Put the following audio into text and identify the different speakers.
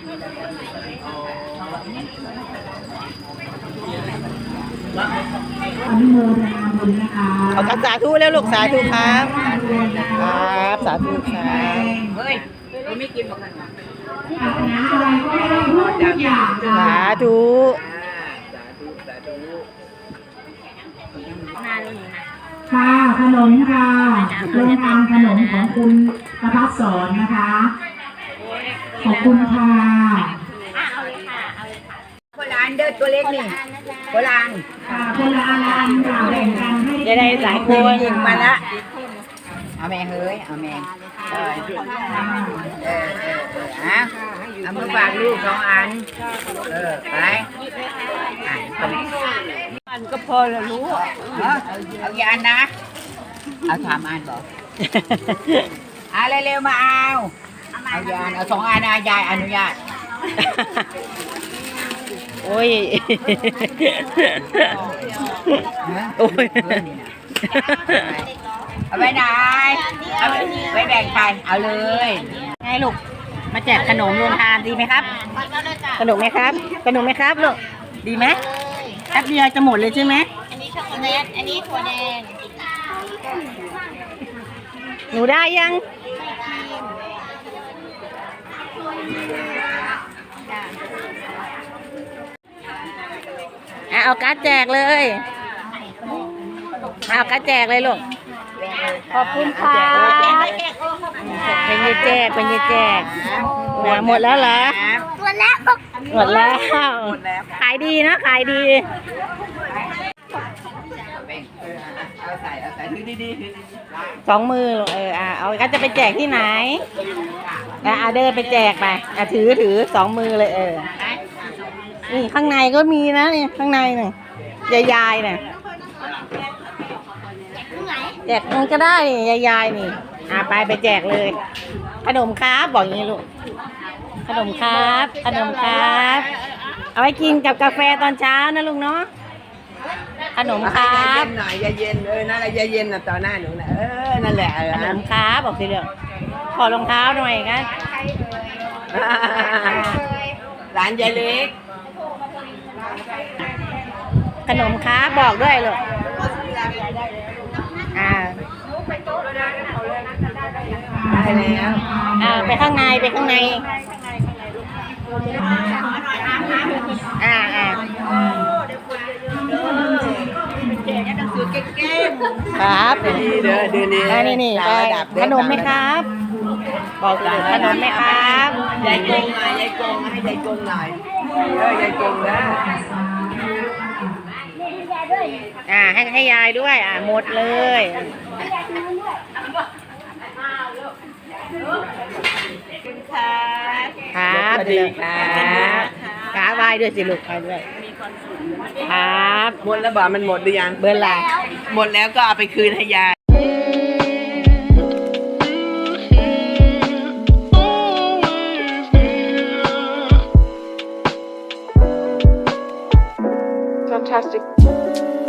Speaker 1: อนุโมทนาบุญนะคะ
Speaker 2: เอาสาธุแล้วลูกสาธุครับครับสาธุครับ
Speaker 3: เฮ้ยไม่กินบอกกัน
Speaker 1: ศาสนาอะไรก็ไม่ต้องพูดทุกอย่าง
Speaker 2: สาธุ
Speaker 1: ค่ะขนมค่ะโรงทานขนมของคุณประภัสสรนะคะขอบคุณค่ะ
Speaker 3: โบราณเด้อตัวเล็กนี่โบราณ
Speaker 1: ค่ะคนละอันค่ะแบ่งกันให้
Speaker 2: จะได้หลายคน
Speaker 3: ยิงมาละเอาแม่เฮ้ยเอาแม่เอามือฝากลูก2 อันไป
Speaker 2: อันก็พอแล้วรู้
Speaker 3: เอากี่อันนะเอา3 อันบอกเร็วๆมาเอากี่อันเอา2 อันนะยายอนุญาต
Speaker 2: โอ้ยโอ้ย
Speaker 3: เอาไปไหนเอาไปแบ่งใครเอาเลย
Speaker 2: ไงลูกมาแจกขนมโรงทานดีไหมครับขนมไหมครับขนมไหมครับลูกดีไหมแป๊บเดียวจะหมดเลยใช่ไหม
Speaker 4: อันนี้ช็อกโกแลตอันนี้ถั่วแดง
Speaker 2: หนูได้ยังเอาการ์ดแจกเลยเอาการ์ดแจกเลยลูกขอบคุณค่ะเป็นยี่แจกเป็นยี่แจกหมดแล้วเหรอ
Speaker 4: หมดแล้ว
Speaker 2: หมดแล้วขายดีนะขายดี2 มือเอาก็จะไปแจกที่ไหนเดินไปแจกไปถือ2 มือเลยนี่ข้างในก็มีนะนี่ข้างในนี่ยายๆเนี่ยแจกมันก็ได้ยายๆนี่ไปแจกเลยขนมครับบอกอย่างนี้ลูกขนมครับขนมครับเอาไว้กินกับกาแฟตอนเช้านะลุงเนาะขนมครับ
Speaker 3: หน่อยเย็นนั่นแหละเย็นต่อหน้าหนูนะนั่นแหละ
Speaker 2: ขนมครับบอกสิเรื่องขอรองเท้าหน่อยกัน
Speaker 3: หลานยายเล็ก
Speaker 2: ขนมครับบอกด้วยลูก
Speaker 3: ได้แล้ว
Speaker 2: ไปข้างในครับ
Speaker 3: ดีเด้อดี
Speaker 2: นี่ขนมไหมครับบอกเลยขนมไหมครับ
Speaker 3: ยายกงหน่อยยายกงให้ยายกงหน่อยยายกงนะ
Speaker 2: ให้ยายด้วยหมดเลยครับ
Speaker 3: ดีครับ
Speaker 2: ขาไหว้ด้วยสิลูกไปด้วยครับ
Speaker 3: หมดแล้วบอกมันหมดหรือยัง
Speaker 2: เบอร์ละ
Speaker 3: หมดแล้วก็เอาไปคืนให้ยาย
Speaker 5: Fantastic.